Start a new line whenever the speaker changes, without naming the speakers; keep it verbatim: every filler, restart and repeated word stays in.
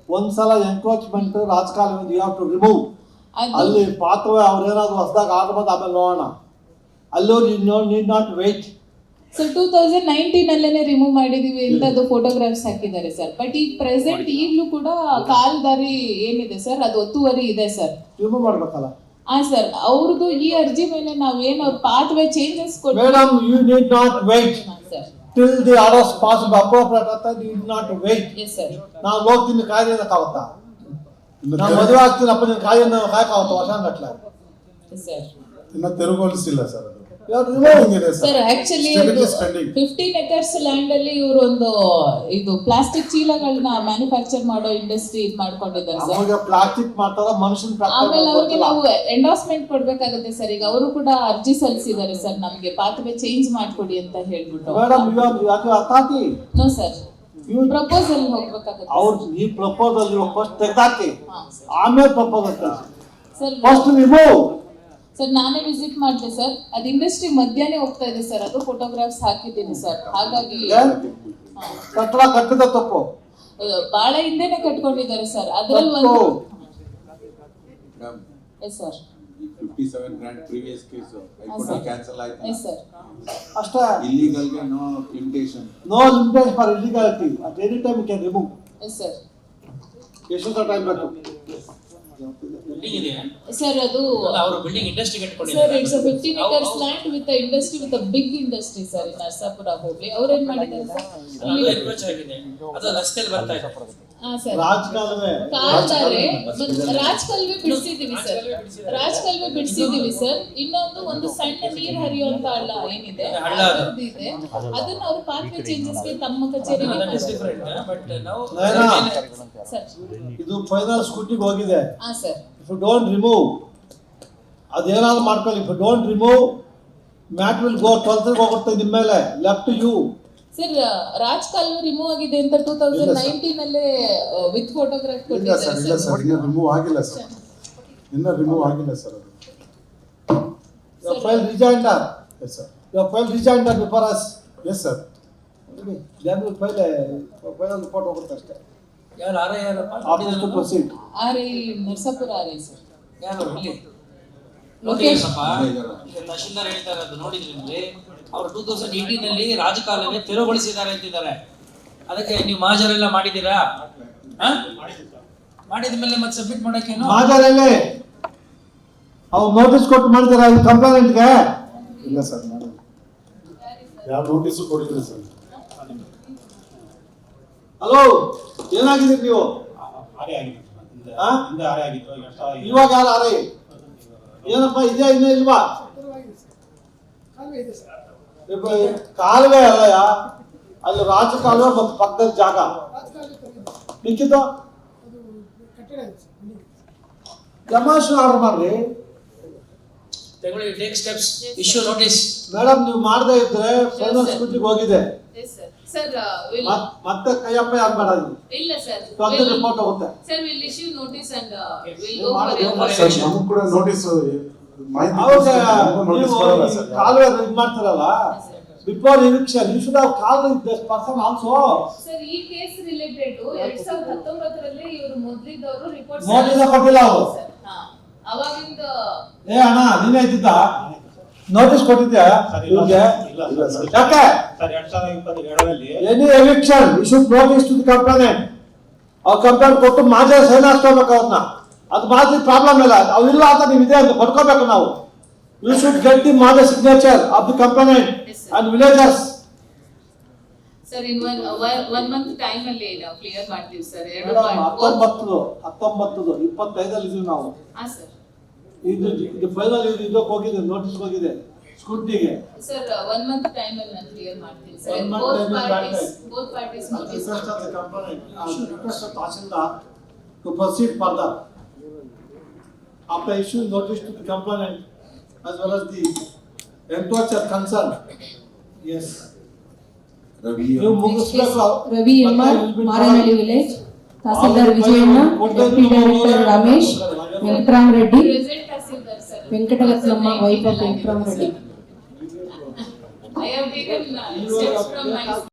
ಒಂದ್ಸಲ ಎನ್ಕ್ರೋಚ್ಮೆಂಟ್ ರಾಜಕಾಲುವೆ you have to remove. ಅಲ್ಲಿ ಪಾತ್ರವೇ ಅವ್ರೇನಾದ್ರು ಹೊಸದಾಗ ಆರ್ಡರ್ ಬಂದು ಆಮೇಲೆ ನೋಡೋಣ. ಅಲ್ಲೂ no need not wait.
Sir two thousand nineteen ಅಲ್ಲೇನೆ ರಿಮೂವ್ ಮಾಡಿದೀವಿ ಅಂತ ಅದು ಫೋಟೋಗ್ರಾಫ್ಸ್ ಹಾಕಿದ್ದಾರೆ ಸರ್. ಬಟ್ ಈಗ ಪ್ರೆಸೆಂಟ್ ಈಗಲೂ ಕೂಡ ಕಾಲ್ದಾರಿ ಏನಿದೆ ಸರ್ ಅದು ಒತ್ತುವರಿ ಇದೆ ಸರ್.
ರಿಮೂವ್ ಮಾಡ್ಬೇಕಲ್ಲ.
ಹಾ ಸರ್, ಅವ್ರದ್ದು ಈ ಅರ್ಜಿ ಮೇಲೆ ನಾವು ಏನು ಅವ್ರ ಪಾತ್ ವೇ ಚೇಂಜಸ್ ಕೊಟ್ಟು
madam you need not wait till the orders possible appropriate ಅಂತ you need not wait.
Yes sir.
ನಾವು ಹೋಗ್ತೀನಿ ಕಾಯ್ದಕ್ಕಾಗುತ್ತಾ? ನಾವು ಮದುವೆ ಆಗ್ತೀನಪ್ಪ ನಿನ್ನ ಕಾಯ್ದೆ ಕಾಯಕಾಗುತ್ತ ವರ್ಷ ಗಟ್ಲೆ
ಸರ್.
ಇನ್ನ ತೆರವುಗೊಳಿಸಿಲ್ಲ ಸರ್ ಅದು.
Sir actually fifteen acres land ಅಲ್ಲಿ ಇವರು ಒಂದು ಇದು ಪ್ಲಾಸ್ಟಿಕ್ ಚೀಲಗಳನ್ನ ಮ್ಯಾನುಫ್ಯಾಕ್ಚರ್ ಮಾಡೋ ಇಂಡಸ್ಟ್ರಿ ಇದು ಮಾಡ್ಕೊಂಡಿದ್ದಾರೆ ಸರ್.
ಪ್ಲಾಸ್ಟಿಕ್ ಮಾಡ್ತಾರ ಮನುಷ್ಯನ.
ಆಮೇಲೆ ಅವ್ರಿಗೆ ನಾವು ಎಂಡೋರ್ಸ್ಮೆಂಟ್ ಕೊಡ್ಬೇಕಾಗುತ್ತೆ ಸರ್. ಈಗ ಅವರು ಕೂಡ ಅರ್ಜಿ ಸಲ್ಲಿಸಿದ್ದಾರೆ ಸರ್, ನಮಗೆ ಪಾತ್ವೆ ಚೇಂಜ್ ಮಾಡ್ಕೊಡಿ ಅಂತ ಹೇಳ್ಬಿಟ್ಟು.
Madam you are authority.
No sir, proposal ಹೋಗ್ಬೇಕಾಗುತ್ತೆ.
ಅವ್ರು ಈ ಪ್ರಪೋಸಲ್ ಫಸ್ಟ್ ತೆಗೆದಾಕಿ ಆಮೇಲೆ proposal
sir.
First remove.
Sir ನಾನೇ ವಿಸಿಟ್ ಮಾಡಿದೆ ಸರ್, ಅದು ಇಂಡಸ್ಟ್ರಿ ಮಧ್ಯಾಹ್ನ ಹೋಗ್ತಾ ಇದೆ ಸರ್. ಅದು ಫೋಟೋಗ್ರಾಫ್ಸ್ ಹಾಕಿದ್ದೀನಿ ಸರ್. ಹಾಗಾಗಿ
ಕಟ್ಟಡ ಕಟ್ಟಿದ ತಪ್ಪು
ಬಹಳ ಹಿಂದೆನೆ ಕಟ್ಕೊಂಡಿದ್ದಾರೆ ಸರ್. ಅದರಲ್ಲಿ ಒಂದು yes sir
fifty-seven grand previous case high cancel ಆಯ್ತು.
Yes sir.
ಅಷ್ಟೇ.
illegal ಗೆ no limitation.
No limitation for illegality. At any time you can remove.
Yes sir.
ಎಷ್ಟು ಟೈಮ್ ಬೇಕು
ಬಿಲ್ಡಿಂಗ್ ಇದೆ
ಸರ್? ಅದು
ಅವರು ಬಿಲ್ಡಿಂಗ್ ಇಂಡಸ್ಟ್ರಿ ಕಟ್ಕೊಂಡಿದ್ದಾರೆ
sir. It's a fifteen acres land with a industry with a big industry sir in Narasapura ಹೋಗ್ಲಿ. ಅವ್ರು ಏನ್ ಮಾಡಿದ್ದಾರೆ ಸರ್?
ಅದು ಎನ್ಕ್ರೋಚ್ ಆಗಿದೆ, ಅದು ರಸ್ತೆಯಲ್ಲಿ ಬರ್ತಾ ಇದೆ.
ಹಾ ಸರ್.
ರಾಜಕಾಲುವೆ
ಕಾಲ್ದಾರೆ ರಾಜಕಾಲುವೆ ಬಿಡಿಸಿದೀವಿ ಸರ್. ರಾಜಕಾಲುವೆ ಬಿಡಿಸಿದೀವಿ ಸರ್. ಇನ್ನೊಂದು ಒಂದು ಸಣ್ಣ ನೀರ್ ಹರಿಯುವಂತ ಹಳ್ಳ ಏನಿದೆ ಇದೆ, ಅದನ್ನ ಅವ್ರು ಪಾತ್ವೆ ಚೇಂಜಸ್ ಗೆ ತಮ್ಮ ಕಚೇರಿ
ಬಟ್ ನಾವು
ಸರ್
ಇದು ಫೈನಲ್ ಸ್ಕೂಟಿಗೆ ಹೋಗಿದೆ.
ಹಾ sir.
If you don't remove ಅದೇನಾದ್ರು ಮಾಡ್ಕೊಳ್ಳಿ. If you don't remove mat will go twelfth ಹೋಗುತ್ತೆ ನಿಮ್ಮ ಮೇಲೆ. Left you
sir. ರಾಜ್ ಕಾಲುವೆ ರಿಮೂವ್ ಆಗಿದೆ ಅಂತ ಟೂ ತೌಸಂಡ್ ನೈನ್ಟೀನ್ ಅಲ್ಲೇ ವಿತ್ ಫೋಟೋಗ್ರಾಫ್
ಇಲ್ಲ ಸರ್. ಇಲ್ಲ ಸರ್, ಇನ್ನ ರಿಮೂವ್ ಆಗಿಲ್ಲ ಸರ್. ಇನ್ನ ರಿಮೂವ್ ಆಗಿಲ್ಲ ಸರ್ ಅದು.
Your file rejoinder.
Yes sir.
Your file rejoinder before us.
Yes sir.
Then we file file report ಹೋಗುತ್ತೆ ಅಷ್ಟೇ.
ಯಾರು ಆರ ಯಾರಪ್ಪ
After to proceed.
R I Narasapura R I sir.
ಯಾರು ಇಲ್ಲಿ
ಲೋಕೇಶ್
ತಹಶೀಲ್ದಾರ್ ಹೇಳ್ತಾ ಇರೋದು ನೋಡಿದ್ರಿ. ಅವರು ಟೂ ತೌಸಂಡ್ ಏಯ್ಟೀನ್ ಅಲ್ಲಿ ರಾಜಕಾಲುವೆ ತೆರವುಗೊಳಿಸಿದ್ದಾರೆ ಅಂತಿದ್ದಾರೆ. ಅದಕ್ಕೆ ನೀವು ಮಹಾಜರೆಲ್ಲ ಮಾಡಿದ್ದೀರಾ? ಮಾಡಿದ ಮೇಲೆ ಮತ್ತೆ ಸಬ್ಮಿಟ್ ಮಾಡಕ್ಕೇನು
ಮಹಾಜರಲ್ಲಿ ಅವ್ರು ನೋಟಿಸ್ ಕೊಟ್ಟು ಮಾಡಿದಾರ ಈ ಕಂಪ್ಲೇಂಟ್ಗೆ?
ಇಲ್ಲ ಸರ್, ಮಾಡಿಲ್ಲ. ಯಾವ ನೋಟಿಸ್ ಕೊಡಿಲ್ಲ ಸರ್.
ಹಲೋ, ಏನಾಗಿದ್ದೀರಿ ನೀವು? ಇವಾಗ ಯಾರು ಆರೈ? ಏನಪ್ಪ ಇದೆಯಾ ಇನ್ನೂ ಇಲ್ವಾ? ಕಾಲುವೆ ಅಲ್ಲಯ್ಯ, ಅಲ್ಲಿ ರಾಜ ಕಾಲುವೆ ಮತ್ತು ಪಕ್ಕದ ಜಾಗ ಮಿಕ್ಕಿದ್ದು ಡೆಮಾನ್ಸ್ಟ್ರೇಷನ್ ಆರ್ಡರ್ ಮಾಡ್ರಿ.
ತಗೊಳ್ಳಿ, take steps, issue notice.
Madam ನೀವು ಮಾಡದೇ ಇದ್ರೆ ಫೈನಲ್ ಸ್ಕೂಟಿಗೆ ಹೋಗಿದೆ.
ಸರ್
ಮತ್ತೆ ಕೈಯಪ್ಪ ಯಾರು ಮಾಡೋದು?
ಇಲ್ಲ ಸರ್,
ಟ್ವೆಲ್ತ್ ರಿಪೋರ್ಟ್ ಹೋಗುತ್ತೆ
sir. Will issue notice and will
go for
sir, ನಮಗೂ ಕೂಡ ನೋಟಿಸ್ ಮಾಹಿತಿ
ಹೌದು.
ನೋಟಿಸ್
ನೀವು
ಕೊಡಲ್ಲ ಸರ್.
ಕಾಲುವೆ ಇದು ಮಾಡ್ತಾರಲ್ಲ, before eviction you should have called this person also.
Sir ಈ ಕೇಸ್ ರಿಲೇಟೆಡ್ ಎರಡ್ ಸಾವಿರದ ಹತ್ತೊಂಬತ್ತರಲ್ಲಿ ಇವರು ಮೊದಲಿದ್ದವರು ರಿಪೋರ್ಟ್
ನೋಟಿಸ್ ಕೊಟ್ಟಿಲ್ಲ ಅವರು.
ಅವಾಗಿಂದ
ಏ ಅಣ್ಣ ನೀನೇ ಇದ್ದಿದ್ದ ನೋಟಿಸ್ ಕೊಟ್ಟಿದ್ಯಾ ಇವ್ರಿಗೆ? ಯಾಕೆ any eviction you should notice to the complaint. ಅವ್ರ ಕಂಪ್ಲೇಂಟ್ ಕೊಟ್ಟು ಮಾಜಿ ಸೈನ್ ಹಾಕ್ಸ್ಕೋಬೇಕು ಅವ್ರನ್ನ. ಅದು ಮಾಜಿ ಪ್ರಾಬ್ಲಮ್ ಇಲ್ಲ. ಅವಿಲ್ಲ ಅಂತ ನೀವು ಇದೆ ಅಂತ ಕೊಡ್ಕೋಬೇಕು ನಾವು. ಯು ಶುಡ್ ಗೆಟ್ ದಿ ಮಾಜಿ signature of the complaint and villagers.
Sir in one one month time ಅಲ್ಲಿ ನಾವು ಕ್ಲಿಯರ್ ಮಾಡ್ತೀವಿ ಸರ್. ಎರಡು
ಹತ್ತೊಂಬತ್ತು ಹತ್ತೊಂಬತ್ತು ಇಪ್ಪತ್ತೈದಲ್ಲಿ ಇದೀವಿ ನಾವು.
ಹಾ ಸರ್.
ಇದು ಇದು ಫೈನಲ್ ಇದು ಇದಕ್ಕೆ ಹೋಗಿದೆ, ನೋಟಿಸ್ ಹೋಗಿದೆ ಸ್ಕೂಟಿಗೆ.
ಸರ್ ಒನ್ ಮಂತ್ ಟೈಮ್ ಅಲ್ಲಿ ನಾನು ಕ್ಲಿಯರ್ ಮಾಡ್ತೀನಿ sir.
One month
both
time is
parties
bad
both parties notice.
request of the complainant, uh, request of Tahsildar to proceed further after issuing notice to the complainant as well as the encroacher concerned. Yes. ನೀವು ಮುಗಿಸ್ಬೇಕು.
Ravi M R, Maranahalli village, tahsildar Vijayanna, deputy director Ramesh, Venkatarama Reddy,
present tahsildar sir.
Venkataratnamma, wife of Venkatarama Reddy.
I have taken uh, steps from my